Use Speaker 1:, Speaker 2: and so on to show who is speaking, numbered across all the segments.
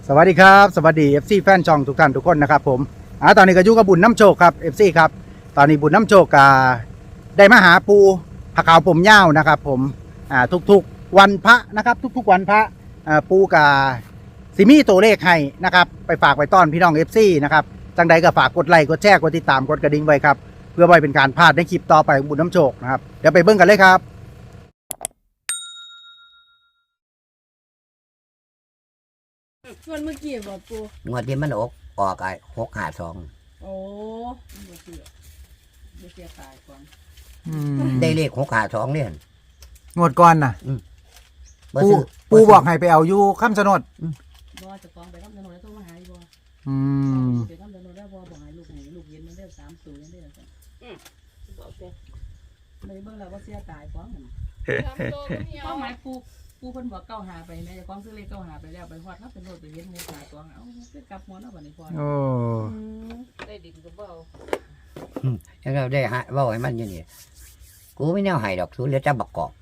Speaker 1: สวัสดีครับสวัสดี FC แฟนช่องทุกท่านทุกคนนะครับผมตอนนี้ก็อยู่กับบุญน้ำโชคครับ FC ครับตอนนี้บุญน้ำโชคได้มาหาปูผาขาวผมยาวนะครับผมทุกๆวันพระนะครับทุกๆวันพระปูสิมีตัวเลขให้นะครับไปฝากไปต้อนพี่น้อง FC นะครับจังใดก็ฝากกดไลค์กดแชร์กดติดตามกดกระดิ่งไว้ครับเพื่อไว้เป็นการพลาดในคลิปต่อไปของบุญน้ำโชคนะครับเดี๋ยวไปเบิ่งกันเลยครับ
Speaker 2: ส่วนเมื่อกี้บอกปู
Speaker 3: งวดที่มันออกไอ้652
Speaker 2: โอ้บ่เสียตายก่อน
Speaker 3: ได้เลข652เนี่ย
Speaker 1: งวดก่อนนะ
Speaker 3: บ่
Speaker 1: ปู
Speaker 3: ซื้อ
Speaker 1: ปูบอกให้ไปเอาอยู่คำชะโนด
Speaker 2: บ่จะกองไปรับถนนแล้วต้องมาหาอีบ่ไปรับถนนแล้วบ่บอกให้ลูกเย็นมันได้3 ตัวยังได้จังบอกเด้เลยเบิ่งแล้วบ่เสียตายพร้อมกันเป้าหมายปูเพิ่นบอกเก้าหาไปแม่จะกองซื้อเลขเก้าหาไปแล้วไปฮอดครับเป็นโลดไปเฮ็ดหมู่ขาตัวเอาคือกลับหมดแล้วบัดนี้พอ
Speaker 1: โอ้
Speaker 2: ได้ดินก็บ่เอา
Speaker 3: แล้วเราได้เว้าให้มันอยู่นี่กูไม่แนวให้ดอกสูเหลือแต่บักกอก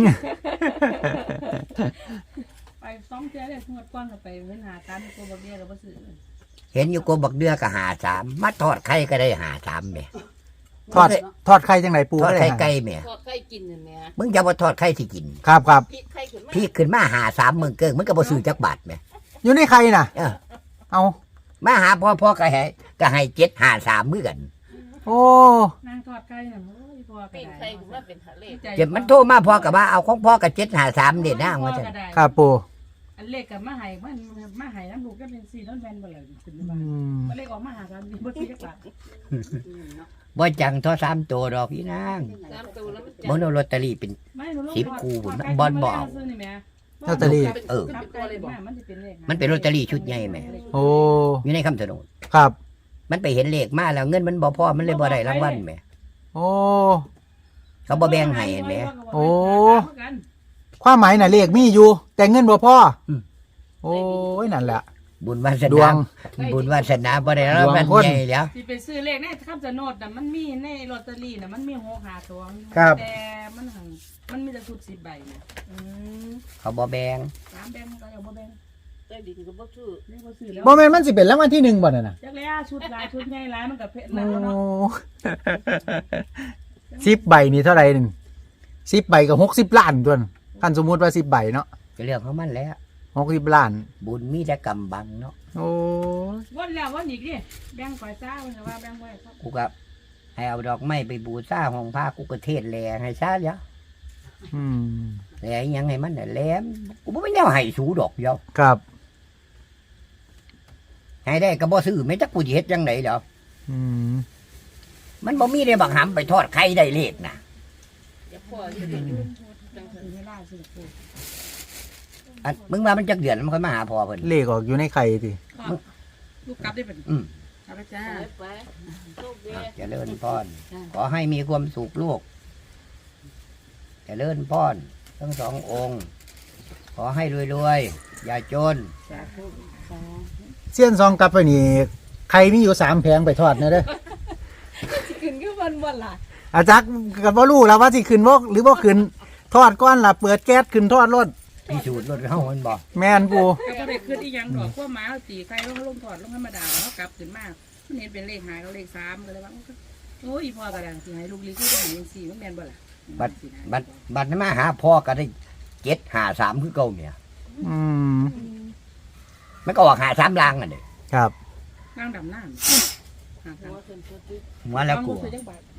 Speaker 2: ไป2เทื่อได้งวดก่อนก็ไปเว้นหากันตัวบ่เบี้ยก็บ่ซื้อ
Speaker 3: เห็นอยู่กูบักเดือก็53มาทอดไข่ก็ได้53แหม่
Speaker 1: ทอดไข่จังไหนปู
Speaker 3: ทอด
Speaker 1: ก็
Speaker 3: ไข่
Speaker 1: ได้
Speaker 3: ไก่แหม่
Speaker 2: ทอดไข่กินนั่นแหละ
Speaker 3: มึงจะบ่ทอดไข่สิกิน
Speaker 1: ครับ
Speaker 2: พริกไข่ขึ้นมา
Speaker 3: พี่ขึ้นมา53มึงเกิงมึงก็บ่ซื้อจักบาทแหม่
Speaker 1: อยู่ในไข่น่ะ
Speaker 3: เออ
Speaker 1: เอา
Speaker 3: มาหาพ่อก็ให้753มื้อกัน
Speaker 1: โอ้
Speaker 2: นางทอดไข่น่ะโอ้ยพ่อก็
Speaker 4: ปิ้ง
Speaker 2: ได้
Speaker 4: ไข่ขึ้นมาเป็นทะเล
Speaker 3: เจ็บมันโทรมาพ่อก็ว่าเอาของพ่อก็753เด็ดนะว่าซั่น
Speaker 1: ครับปู
Speaker 2: อันเลขกับมาให้มันมาให้น้ำลูกก็เป็น4น้ำแม่นบ่ล่ะขึ้น
Speaker 1: อื
Speaker 2: มาม บ่เลขออกมาหากันบ่สิจักบาท
Speaker 3: บ่จังทอ3ตัวดอกพี่นาง
Speaker 4: 3 ตัวแล้วมัน
Speaker 3: บ่เอาลอตเตอรี่เป็น
Speaker 2: ไม่หนู
Speaker 3: 10คู่พุ่นบอลบ่เอา
Speaker 1: ลอตเตอรี่
Speaker 3: เออ
Speaker 2: ครับตัวเลยบ่มันสิเป็นเลข
Speaker 3: มันเป็นลอตเตอรี่ชุดใหญ่แหม่
Speaker 1: โอ้
Speaker 3: อยู่ในคำถนน
Speaker 1: ครับ
Speaker 3: มันไปเห็นเลขมาแล้วเงินมันบ่พอมันเลยบ่ได้รางวัลแหม่
Speaker 1: โอ้
Speaker 3: เขาบ่แบ่งให้แหม่
Speaker 1: โอ้ ความหมายน่ะเลขมีอยู่ แต่เงินบ่พอโอ้ยนั่นแหละ
Speaker 3: บุญวาส
Speaker 1: ดว
Speaker 3: นาง บุญวาสนาบ่ได้รางวัล
Speaker 1: ดวงคน
Speaker 3: ใหญ่แล้ว
Speaker 2: สิไปซื้อเลขในคำชะโนดน่ะมันมีในลอตเตอรี่น่ะมันมี6 5ตัว
Speaker 1: ครับ
Speaker 2: แต่มันมีแต่ชุด10ใบน่ะ
Speaker 3: เขาบ่แบ่ง
Speaker 2: 3แบงก็ยังบ่แบ่ง
Speaker 4: ใต้ดินก็บ่ซื้อ
Speaker 2: เลขบ่ซื้อแล้ว
Speaker 1: บ่แม่นมันสิเป็นรางวัลที่หนึ่งบ่นั่นน่ะ
Speaker 2: จักแล้วชุดหลายชุดใหญ่หลายมันก็เพชรนั่น
Speaker 1: โอ้
Speaker 2: เนาะ
Speaker 1: 10 ใบนี่เท่าไหร่นึง10 ใบก็60 ล้านตัวนั้นคันสมมุติว่า10 ใบเนาะ
Speaker 3: ก็เรื่องของมันแล้ว
Speaker 1: 60 ล้าน
Speaker 3: บุญมีแต่กำบังเนาะ
Speaker 1: โอ้
Speaker 2: วันแล้ววันอีกดิแบ่งไปจ้าเพิ่นก็ว่าแบ่งไว้ครับ
Speaker 3: กูก็ให้เอาดอกไม้ไปบูชาห้องพระกูก็เทศแลให้ซะเดี๋ยว
Speaker 1: อืม
Speaker 3: แลอีหยังให้มันน่ะแหลมกูบ่มีแนวให้สูดอกเดียว
Speaker 1: ครับ
Speaker 3: ให้ได้ก็บ่ซื้อแม่จักกูสิเฮ็ดจังได๋ดอก
Speaker 1: อืม
Speaker 3: มันบ่มีได้บักหำไปทอดไข่ได้เลขน่ะ
Speaker 4: อย่าพ่ออยู่ได้อยู่จังซั่น
Speaker 2: ซื้อให้ล่าซื้อปู
Speaker 3: อันมึงว่ามันจักเดือนมันค่อยมาหาพ่อเพิ่น
Speaker 1: เลขออกอยู่ในไข่ติ
Speaker 2: ลูกกลับได้เป็น
Speaker 3: อืม
Speaker 2: กลับไปจ้า
Speaker 4: ไปโชคดี
Speaker 3: เจริญพรขอให้มีความสุขลูกเจริญพรทั้งสององค์ ขอให้รวยๆอย่าจน
Speaker 2: สาธุสาธุ
Speaker 1: เสี้ยนซองกลับไปนี่ไข่มีอยู่3แผงไปทอดนะเด้อ
Speaker 4: สิขึ้นคือวันล่ะ
Speaker 1: อาจักก็บ่รู้แล้วว่าสิขึ้นบ่หรือบ่ขึ้นทอดก่อนล่ะเปิดแก๊สขึ้นทอดรถ
Speaker 3: พิสูจน์รถเฮามันบอก
Speaker 1: แม่นปู
Speaker 2: ก็บ่ได้ขึ้นอีหยังดอกพวกหมาเอาตีไข่ลงถอดลงธรรมดาแล้วกลับขึ้นมามันเห็นเป็นเลขหายก็เลข3ก็เลยว่าโอ้ยพ่อก็ได้สิให้ลูกลิขิตให้จังซี่มันแม่นบ่ล่ะ
Speaker 3: บัดนั้นมาหาพ่อก็ได้753คือเก่าเนี่ย
Speaker 1: อืม
Speaker 3: มันก็ออก53ลางอ่ะเด้
Speaker 1: ครับ
Speaker 2: นั่งดำน้ำ
Speaker 4: หัวขึ้นตัวติ
Speaker 3: หัวแล้วกู
Speaker 2: ซื้อจักบาท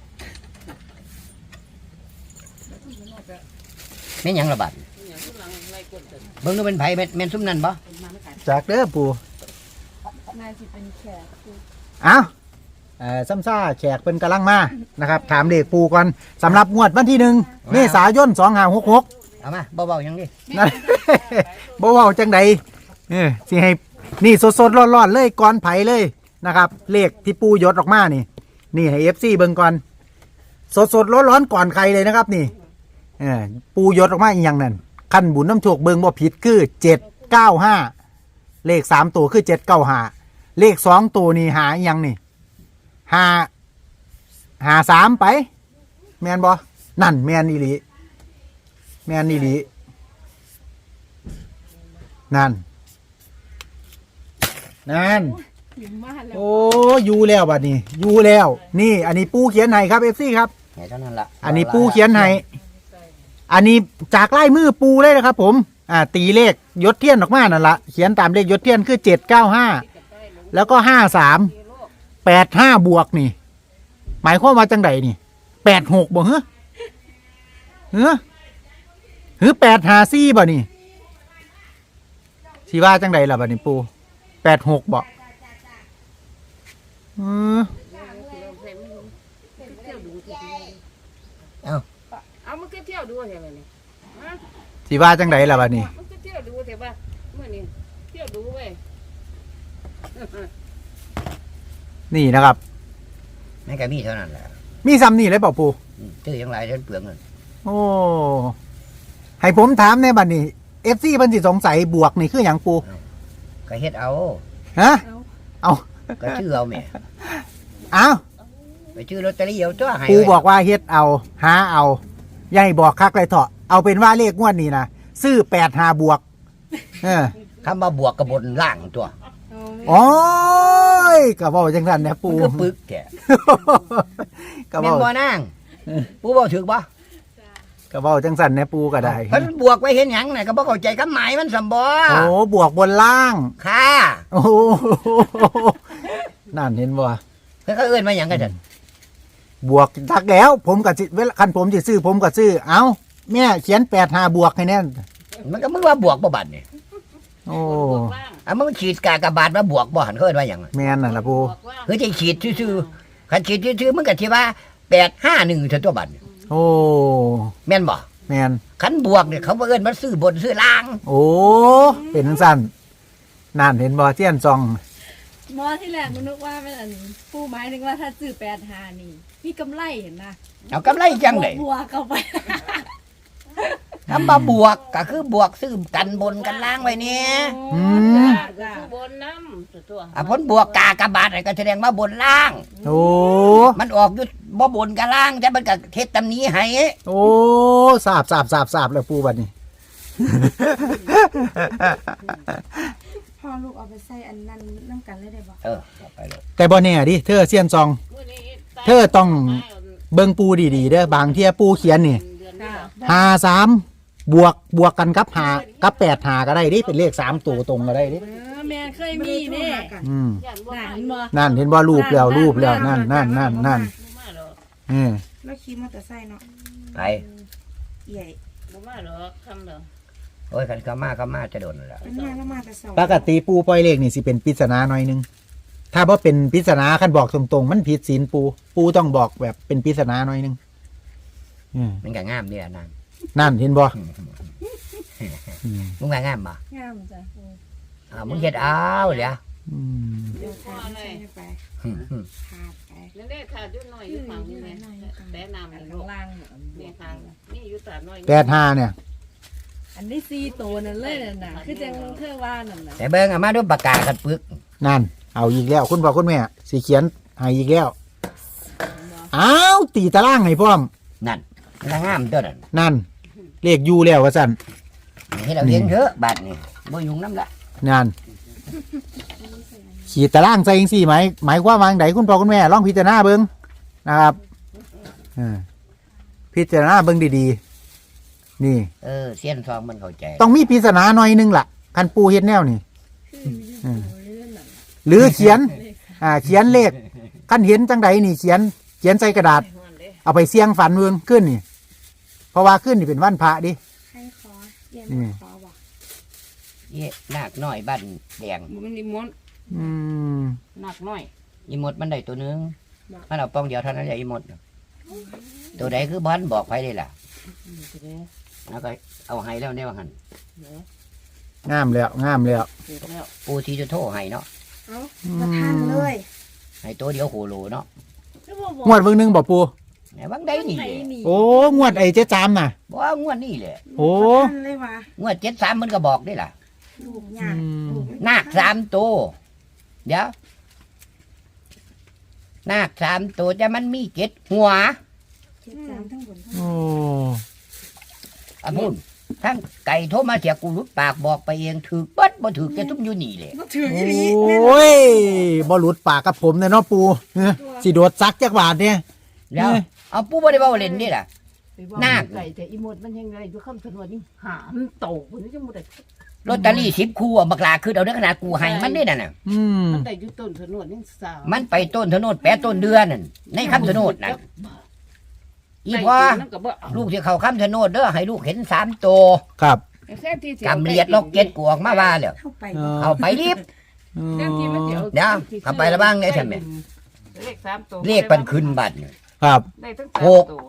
Speaker 3: แม่นหยังละบัด
Speaker 4: อหย่างข้างหลังไล่กดกัน
Speaker 3: เบิ่งดูเป็นไผแม่นซุมนั้นบ่
Speaker 2: มาไม่ขาย
Speaker 1: จากเด้อปู
Speaker 2: นายสิเป็นแขก
Speaker 1: อ้าวซ้ำซ่าแขกเพิ่นกำลังมานะครับ ถามเลขปูก่อนสำหรับงวดวันที่1เมษายน2566
Speaker 3: เอามาเบาๆหยังดิ
Speaker 1: นั่น บ่เว้าจังใดสิให้นี่สดๆร้อนๆเลยก่อนไผเลยนะครับ เลขที่ปูยศออกมานี่ให้ FC เบิ่งก่อนสดๆร้อนๆก่อนใครเลยนะครับนี่ปูยศออกมาอีหยังนั่นขั้นบุญน้ำโชคเบิ่งบ่ผิดคือ795เลข3ตัวคือ795เลข2ตัวนี่หาอีหยังนี่53ไปแม่นบ่นั่นแม่นอีหลีแม่นอีหลีนั่นนั่น
Speaker 4: หิมมาแล้ว
Speaker 1: โอ้อยู่แล้วบัดนี้อยู่แล้ว นี่ อันนี้ปูเขียนให้ครับ FC ครับ
Speaker 3: ไหนเท่านั้นละ
Speaker 1: อันนี้ปูเขียนให้อันนี้จากลายมือปูเลยนะครับ ผมตีเลขยศเทียนออกมานั่นละเขียนตามเลขยศเทียนคือ795แล้วก็5385บวกนี่ หมายความว่าจังไดนี่86บ่เหรอหรือ854บ่นี่สิว่าจังไดล่ะบัดนี้ปู86บ่
Speaker 4: เอามันก็เที่ยวดูใช่ไหมนี่
Speaker 1: สิว่าจังไดล่ะบัดนี้
Speaker 4: มันก็เที่ยวดูแต่ว่าเมื่อนี้เที่ยวดูเว้ย
Speaker 1: นี่นะครับ
Speaker 3: นั่นก็มีเท่านั้นแหละ
Speaker 1: มีซ้ำนี่เลยเปล่าปู
Speaker 3: ชื่อยังไรเท่านเปลืองเงิน
Speaker 1: โอ้ให้ผมถามในบัดนี้ FC เพิ่นสิสงสัยบวกนี่คือหยังปู
Speaker 3: ก็เฮ็ดเอา
Speaker 1: ฮะเอา
Speaker 3: ก็ชื่อเอาแม่
Speaker 1: เอา
Speaker 3: ไปชื่อลอตเตอรี่เอาตัวให้
Speaker 1: ปูบอกว่าเฮ็ดเอาหาเอาอย่าให้บอกคักเลยเถอะเอาเป็นว่าเลขงวดนี้นะซื้อ85บวก
Speaker 3: คำว่าบวกกับบนล่างตัว
Speaker 1: โอ้ยก็เว้าจังซั่นนะปู
Speaker 3: มันก็ปึกแก
Speaker 1: ก็
Speaker 3: แม่น
Speaker 1: เว้า
Speaker 3: บ่นางปูบ่ถึกบ่
Speaker 1: ก็เว้าจังซั่นนะปูก็ได้
Speaker 3: เพิ่นบวกไว้เห็นหยังน่ะก็บ่เข้าใจคำหมายมันสำบ่
Speaker 1: โอ้บวกบนล่าง
Speaker 3: ค่ะ
Speaker 1: โอ้นั่นเห็นบ่
Speaker 3: เพิ่นก็เอิ้นมาหยังกันซั่น
Speaker 1: บวกทักแล้ว ผมก็สิเวลาคันผมสิซื้อผมก็ซื้อเอ้าแม่เขียน85บวกให้แน่น
Speaker 3: มันก็มึงว่าบวกบ่บัดนี่
Speaker 1: โอ้
Speaker 3: มึงฉีดกากบาทมาบวกบ่หันเขาเอิ้นว่าหยัง
Speaker 1: แม่นน่ะล่ะปู
Speaker 3: คือจะฉีดซื่อๆคันฉีดซื่อๆมึงก็สิว่า851ซะตัวบัดนี่
Speaker 1: โอ้
Speaker 3: แม่นบ่
Speaker 1: แม่น
Speaker 3: คันบวกเนี่ยเขาบ่เอิ้นมาซื้อบนซื้อล่าง
Speaker 1: โอ้เป็นจังซั่นนั่นเห็นบ่เทียนซอง
Speaker 4: มอที่แรกนึกว่าเป็นอันผู้หมายถึงว่าถ้าซื้อ85นี่มีกำไรเห็นนะ
Speaker 3: เอากำไรจังได๋
Speaker 4: บัวเข้าไป
Speaker 3: คำว่าบวกก็คือบวกซื้อกันบนกันล่างไว้เนี่ย
Speaker 4: จ้าบนน้ำตัว
Speaker 3: ผลบวกกากบาทอะไรก็แสดงว่าบนล่าง
Speaker 1: โอ้
Speaker 3: มันออกอยู่บ่บนกับล่างแต่มันก็เฮ็ดตำนี้ให้
Speaker 1: โอ้สาบแล้วปูบัดนี้
Speaker 5: พ่อลูกเอาไปใส่อันนั้นน้ำกันเลยได้บ่
Speaker 3: เอาไปเลย
Speaker 1: แต่บ่แน่ดิเธอเซียนซอง เธอต้อง เบิ่งปูดีๆเด้อบางเที่ยปูเขียนนี่53บวกกันกับ5กับ85ก็ได้ดิเป็นเลข3ตัวตรงก็ได้ดิ
Speaker 4: แม่เคยมีนี่
Speaker 1: อืม
Speaker 4: นั่นบ่
Speaker 1: นั่นเห็นบ่รูปแล้วนั่น
Speaker 5: แล้วขี่มอเตอร์ไซค์เนาะ
Speaker 3: ไป
Speaker 5: ใหญ่
Speaker 4: บ่มาหรอกคำเด้อ
Speaker 3: โอ้ยคันก็มาจะโดนแล้ว
Speaker 5: เป็นมาแล้วมาแต่สอง
Speaker 1: ปกติปูปล่อยเลขนี่สิเป็นปริศนาหน่อยนึงถ้าบ่เป็นปริศนาคันบอกตรงๆมันผิดศีลปูต้องบอกแบบเป็นปริศนาหน่อยนึง
Speaker 3: มันก็งามเนี่ยนาง
Speaker 1: นั่นเห็นบ่
Speaker 3: มึงว่างามบ่
Speaker 4: งามจ้ะ
Speaker 3: มึงเฮ็ดเอาเหรอ
Speaker 1: อืม
Speaker 5: เดี๋ยวทานใส่ไปขาดไป
Speaker 4: นั่นได้ขาดอยู่หน่อยอยู่ฝั่งนี้แม่แต่น้ำนี่ลูกล่างนี่ทางนี่อยู่ตาน้อย
Speaker 1: 85เนี่ย
Speaker 4: อันนี้4ตัวนั่นเลยน่ะคือจังเธอว่านั่นน่ะ
Speaker 3: แต่เบิ่งเอามาด้วยปากกากันปึก
Speaker 1: นั่นเอาอีกแล้วคุณพ่อคุณแม่สิเขียนให้อีกแล้วอ้าวตีตารางให้พร้อม
Speaker 3: นั่นมันก็งามตัวนั้น
Speaker 1: นั่นเลขอยู่แล้วว่าซั่น
Speaker 3: ให้เราเห็นเถอะบาดนี่บ่ยุ่งนำละ
Speaker 1: นั่นขีดตารางใส่จังซี่หมายความว่าจังไดคุณพ่อคุณแม่ลองพิจารณาเบิ่งนะครับพิจารณาเบิ่งดีๆนี่
Speaker 3: เสี้ยนซองมันเข้าใจ
Speaker 1: ต้องมีปริศนาหน่อยนึงล่ะคันปูเฮ็ดแนวนี่หรือเขียนเขียนเลขคันเห็นจังไดนี่เขียนใส่กระดาษ เอาไปเสี่ยงฝันเมืองขึ้นนี่เพราะว่าขึ้นนี่เป็นวันพระดิ
Speaker 5: ให้ขอใหญ่ไม่ขอบ่
Speaker 3: เย่นาคน้อยบ้านแดง
Speaker 4: มันนี่มด
Speaker 1: อืม
Speaker 4: หนักน้อย
Speaker 3: อีหมดมันได้ตัวหนึงมันเอาป้องเดียวเท่านั้นแหละอีหมดตัวใดคือบอลบอกไปได้ล่ะแล้วก็เอาให้แล้วเนี่ยว่าหัน
Speaker 1: งามแล้ว
Speaker 3: ปูทีจะโทรให้เนาะ
Speaker 5: เอามาทานเลย
Speaker 3: ให้ตัวเดียวโหโลเนาะ
Speaker 1: งวดเบิ่งหนึงบ่ปู
Speaker 3: ไหนบางได้นี่แหละ
Speaker 1: โอ้งวดไอ้เจ๊จามน่ะ
Speaker 3: บ่ว่างวดนี่แหละ
Speaker 1: โอ้
Speaker 5: ทานเลยว่ะ
Speaker 3: งวด73มันก็บอกได้ล่ะ
Speaker 5: ลูกยากลูก
Speaker 3: นาค3ตัวเดี๋ยวนาค3ตัวแต่มันมี7หัว
Speaker 5: เจ็ดสามทั้งบนทั้ง
Speaker 1: โอ้
Speaker 3: พูดทั้งไก่โทรมาเสียกูรุดปากบอกไปเองถือเบิดบ่ถือแกทุกอยู่นี่แหละ
Speaker 5: บ่ถือ
Speaker 1: โอ
Speaker 5: อีหลีแน่นอน้
Speaker 1: ยบ่หลุดปากกับผมเนี่ยเนาะปูสิโดดซักจักบาทเนี่ย
Speaker 3: แล้วเอาปู่บ่ได้เว้าเล่นนี่ล่ะ นาค
Speaker 2: ไก่แต่อีหมดมันยังไงอยู่คำถนนนี่หามันโตคนนี้จะหมดได้
Speaker 3: ลอตเตอรี่10คู่บักลาคือเอาเด้อขนาดกูให้มันนี่นั่นน่ะ
Speaker 1: อืม
Speaker 2: มันได้อยู่ต้นถนนนี่สาว
Speaker 3: มันไปต้นถนนแปะต้นเดือนนั่นในคำชะโนดนั่นอีพอ
Speaker 2: นั่นก็บ่เอา
Speaker 3: ลูกที่เขาคำชะโนดเด้อให้ลูกเห็น3ตัว
Speaker 1: ครับ
Speaker 2: แท้ที่
Speaker 3: กำเลียดล็อกเก็ตกูออกมาว่าแล้ว
Speaker 5: เข้าไป
Speaker 3: เอาไปรีบ
Speaker 2: แท้ที่มันสิเอา
Speaker 3: เดี๋ยวเอาไปละบ้างเนี่ยใช่ไหม
Speaker 2: เลข3ตัว
Speaker 3: เรียกปันขึ้นบัตร
Speaker 1: ครับ
Speaker 2: ได้ทั้ง
Speaker 3: หก
Speaker 2: 3ตัว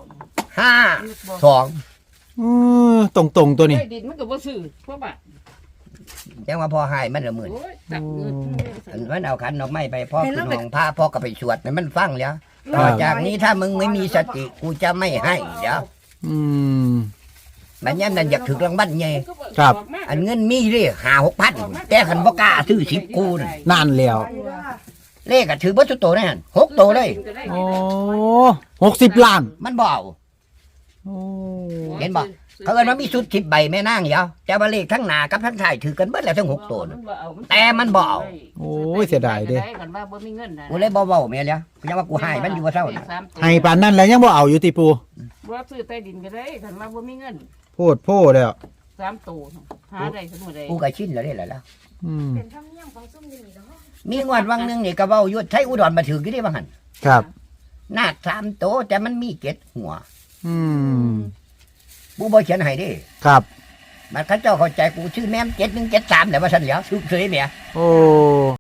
Speaker 3: 5 2
Speaker 1: ตรงตัวนี้
Speaker 2: ได้ดินมันก็บ่ซื้อเพราะว่า
Speaker 3: จังว่าพ่อให้มันละหมื่น
Speaker 2: โอ้ยตักเงิน
Speaker 3: อันมันเอาขันดอกไม้ไปพ่อขึ้นห้องพระพ่อก็ไปสวดให้มันฟังแล้วต่อจากนี้ถ้ามึงไม่มีสติกูจะไม่ให้เดี๋ยว
Speaker 1: อืม
Speaker 3: มันยันนั่นอยากถึงรางวัลไง
Speaker 1: ครับ
Speaker 3: อันเงินมีเด้5-6,000แต่ขันบ่กล้าซื้อ10กูน่ะ
Speaker 1: นั่นแล้ว
Speaker 3: เลขก็ถือบ่ทุกตัวนั่น6ตัวเลย
Speaker 1: โอ้60 ล้าน
Speaker 3: มันบ่เอา
Speaker 1: โอ้
Speaker 3: เห็นบ่ เขาเอิ้นว่ามีสุด10ใบแม่นางเดียวแต่ว่าเลขทั้งหน้ากับทั้งท้ายถือกันเบิดแล้วทั้ง6ตัวน่ะ แต่มันบ่เอา
Speaker 1: โอ้ยเสียดายเด้
Speaker 2: กันว่าบ่มีเงินน่ะ
Speaker 3: กูเลยบ่เว้าแม่นแล้วกูยังว่ากูให้มันอยู่ว่าเท่าน่ะ
Speaker 1: ให้ปานนั้นแล้วยังบ่เอาอยู่ติปู
Speaker 2: บ่ซื้อใต้ดินก็ได้กันว่าบ่มีเงิน
Speaker 1: โพดโพแล้ว
Speaker 2: 3ตัวหาได้สมมุติได้
Speaker 3: กูก็ชินแล้วเด้ล่ะ
Speaker 1: อืม
Speaker 5: เป็นธรรมเนียมของซุ่มนี่เนาะ
Speaker 3: มีงวดวังหนึงนี่ก็เว้าอยู่ไทยอุดรมาถือกี่ได้บ่หั่น
Speaker 1: ครับ
Speaker 3: นาค3ตัวแต่มันมี7หัว
Speaker 1: อืม
Speaker 3: กูบ่เขียนให้เด้
Speaker 1: ครับ
Speaker 3: มันเขาเจ้าเข้าใจกูชื่อแม่ม7173แหละว่าซั่นแหล้วชื่อเฉยแหม
Speaker 1: โอ้